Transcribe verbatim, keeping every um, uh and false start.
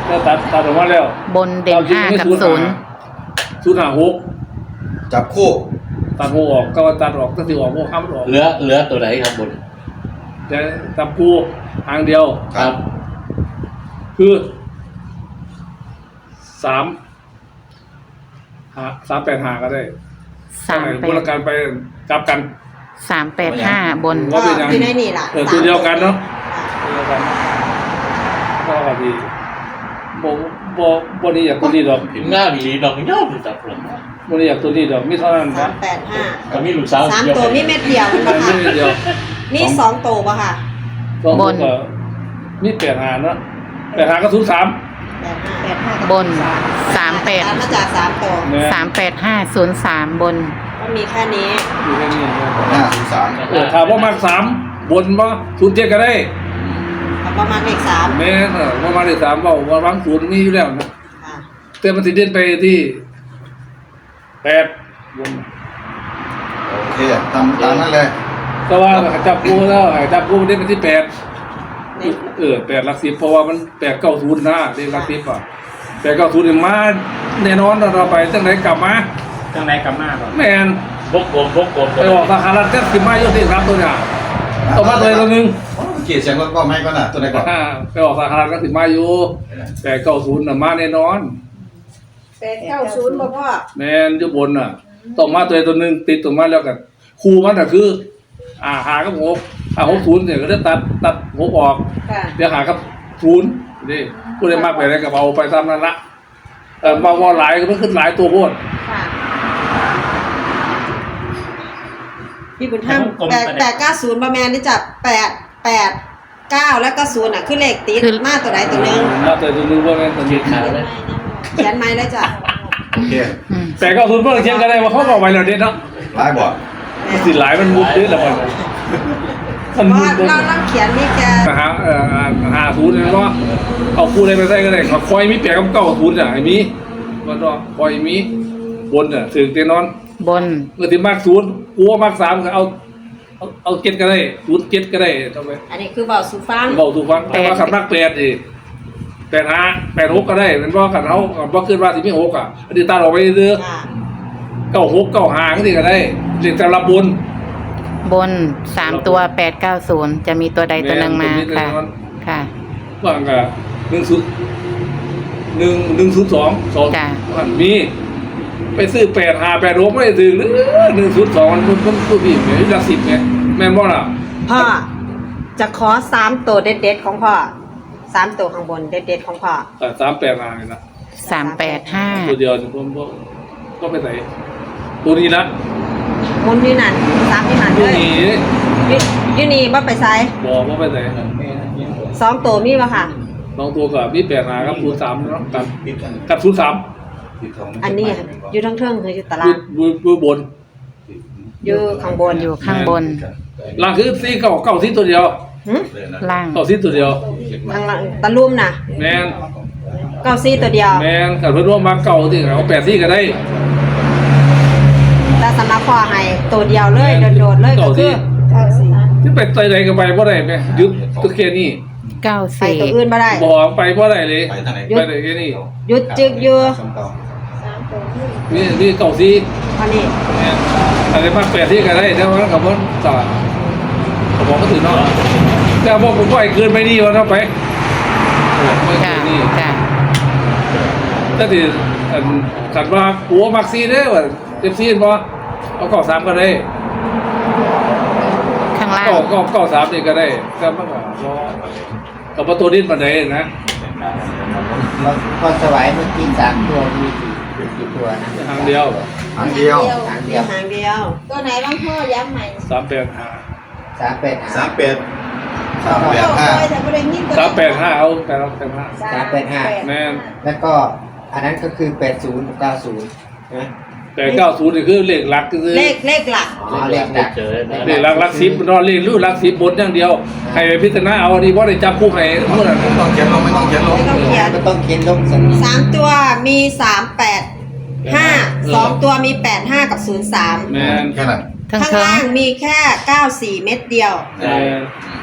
แล้วตัดตัดออกมาแล้วบนเด่นห้ากับศูนย์ศูนย์ห้าหกจับคู่ตัดหกออกก็ตัดออกก็ถือออกหกห้ามออกเหลือเหลือตัวไหนครับบนจะจับคู่ทางเดียวครับคือสามหาสามแปดหาก็ได้สามแปดบริการไปจับกันสามแปดห้าบนก็อยู่ในนี่ล่ะตัวเดียวกันเนาะตัวเดียวกันก็ดีโบโบโบนี่อยากตัวนี้ดอกถึงหน้ามีดอกย่อมจับผมโบนี่อยากตัวนี้ดอกมีเท่านั้นสามแปดห้าก็มีลูกสาวสามตัวมีเม็ดเดียวมันมีเม็ดเดียวมีสองตัวป่ะค่ะบนมีแปดหาเนาะแปดหาก็ศูนย์สามบนสามแปดมาจากสามตัวสามแปดห้าศูนย์สามบนก็มีแค่นี้มีแค่นี้ห้าศูนย์สามเออถามว่ามากสามบนว่าศูนย์เจ็ดก็ได้ประมาณเลขสามแม่เออประมาณเลขสามว่าว่ารังศูนย์มีอยู่แล้วนะแต่มันติดเด่นไปที่แปดบนโอเคทำตามนั้นเลยแต่ว่าจับกูแล้วจับกูได้เป็นที่แปดเออแปดหลักสิบเพราะว่ามันแปดเก้าศูนย์นะเรียกหลักสิบอ่ะแปดเก้าศูนย์มาแน่นอนเราไปตั้งไหนกลับมาตั้งไหนกลับมาแม่นพกกลมพกกลมไปออกสาขาลัดก็สิบไม้ยกที่ครับตัวเนี่ยต่อมาตัวตัวหนึ่งเกียร์เสียงรถก็ไม่ก็น่ะตัวไหนก่อนไปออกสาขาลัดก็สิบไม้อยู่แปดเก้าศูนย์มาแน่นอนแปดเก้าศูนย์บ่พ่อแม่นอยู่บนน่ะต่อมาตัวตัวหนึ่งติดต่อมาแล้วกันครูมันก็คืออ่าหากับหกอ่าหกศูนย์เนี่ยก็ได้ตัดตัดหกออกเดี๋ยวหากับศูนย์นี่ผู้ใดมากไปได้กับเอาไปตามนั้นละเออบางวันหลายก็มันขึ้นหลายตัวโพดพี่บุญธรรมแปดแปดเก้าศูนย์ประมาณนี่จะแปดแปดเก้าแล้วก็ศูนย์อ่ะคือเลขติดมาตัวใดตัวหนึ่งมาตัวตัวหนึ่งพวกนั้นตัวนี้เขียนไม้แล้วจ้ะโอเคแต่ก็ศูนย์เพิ่งเขียนกันได้ว่าเขาบอกไว้แล้วเด็ดเนาะหลายบ่สิหลายมันมุดเยอะแล้วมันมันมุดเราเราเขียนนี่แกหาเอ่อหาศูนย์เนี่ยก็เอาคู่อะไรไปใส่ก็ได้เขาคอยมีแปดกับเก้าศูนย์อ่ะไอ้มีมันก็คอยมีบนอ่ะถึงเตียนอนบนเมื่อที่มากศูนย์กูว่ามากสามก็เอาเอาเอาเก็ตก็ได้ศูนย์เก็ตก็ได้ทำไมอันนี้คือเบาสูฟังเบาสูฟังแต่ว่าขับนักแปดดิแปดห้าแปดหกก็ได้เป็นว่าขันเขาว่าขึ้นว่าที่ไม่หกอ่ะอันนี้ตาออกไปเรื่อยเก้าหกเก้าห้าก็ดีก็ได้เรียกแต่ละบนบนสามตัวแปดเก้าศูนย์จะมีตัวใดตัวหนึ่งมาค่ะค่ะว่างกับหนึ่งศูนย์หนึ่งหนึ่งศูนย์สองสองมันมีไปซื้อแปดห้าแปดหกไม่ได้ซื้อหรือหนึ่งศูนย์สองมันมันผู้พี่เนี่ยหลักสิบไงแม่นบ่ล่ะพ่อจะขอสามตัวเด็ดๆของพ่อสามตัวข้างบนเด็ดๆของพ่อสามแปดห้านะสามแปดห้าตัวเดียวผมก็ไปใส่ตัวนี้ละมุนนี่นั่นสามนี่นั่นเลยยูนี่บ่ไปใส่บอกว่าไปใส่สองตัวมีป่ะค่ะสองตัวกับมีแปดห้ากับศูนย์สามเนาะกับกับศูนย์สามอันนี้อยู่ทั้งเทิงคืออยู่ตารางอยู่บนอยู่ข้างบนอยู่ข้างบนล่างคือสี่เก้าเก้าสี่ตัวเดียวล่างเก้าสี่ตัวเดียวข้างล่างตะลุ่มน่ะแมนเก้าสี่ตัวเดียวแมนกับเพื่อนร่วมมาเก้าที่เอาแปดสี่ก็ได้แต่สำหรับพ่อให้ตัวเดียวเลยโดดๆเลยก็คือเก้าสี่ที่ไปใจใดก็ไปบ่ได้ไหมยึดตัวแค่นี้เก้าสี่ไปตัวอื่นบ่ได้บอกไปบ่ได้เลยไปได้แค่นี้ยึดจึกอยู่นี่นี่เก้าสี่อันนี้อะไรมาแปดที่ก็ได้แต่ว่ากับว่าจ่าเขาบอกก็ถือเนาะแต่บอกผมว่าไอ้เกินไปนี่วะเนาะไปไม่เกินนี่ถ้าที่ขันว่าหัวมักซีได้ว่าเจ็บซีนป่ะเอาเก้าสามก็ได้ข้างล่างก็ก็เก้าสามนี่ก็ได้ก็มากกว่ากับประตูดิ้นมาได้นะแล้วพอสวายเมื่อกี้สามตัวมีกี่ตัวนะทางเดียวทางเดียวทางเดียวทางเดียวตัวไหนบ้างพ่อย้ำใหม่สามแปดห้าสามแปดสามแปดสามแปดห้าสามแปดห้าเอาแต่เราแปดห้าสามแปดห้าแม่แล้วก็อันนั้นก็คือแปดศูนย์เก้าศูนย์นะแต่เก้าศูนย์นี่คือเลขหลักก็คือเลขเลขหลักอ๋อเลขหลักเลขหลักหลักสิบนอนเลขรูหลักสิบบนอย่างเดียวใครไปพิจารณาเอาอันนี้ว่าได้จับคู่ให้เมื่อไหร่ไม่ต้องเขียนลงไม่ต้องเขียนลงไม่ต้องเขียนไม่ต้องเขียนลงสามตัวมีสามแปดห้าสองตัวมีแปดห้ากับศูนย์สามแม่นแค่นั้นข้างล่างมีแค่เก้าสี่เม็ดเดียว